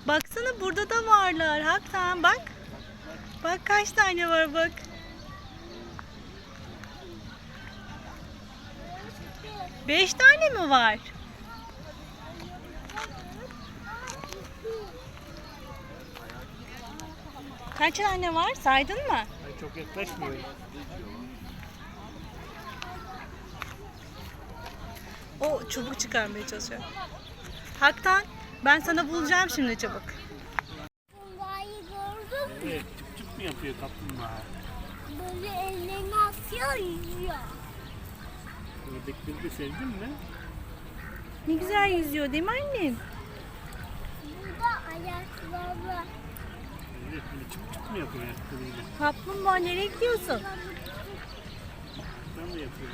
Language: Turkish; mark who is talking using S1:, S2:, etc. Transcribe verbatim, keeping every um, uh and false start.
S1: Baksana burada da varlar. Hakikaten bak. Bak kaç tane var bak. Beş tane mi var? Kaç tane var? Saydın mı?
S2: Ay, çok yaklaşmıyor.
S1: O çubuk çıkarmaya çalışıyor. Haktan ben sana bulacağım şimdi çabuk.
S3: Kaplumbağayı gördün mü?
S2: Evet, çıp çıp mı yapıyor kaplumbağa?
S3: Böyle ellerini atıyor, yüzüyor.
S2: Ördekleri de sevdin mi?
S1: Ne güzel yüzüyor değil mi annem?
S3: Burada ayakları.
S2: Evet, böyle çıp çıp mı yapıyor ayaklarıyla?
S1: Kaplumbağa nereye gidiyorsun?
S2: Ben de yapıyorum.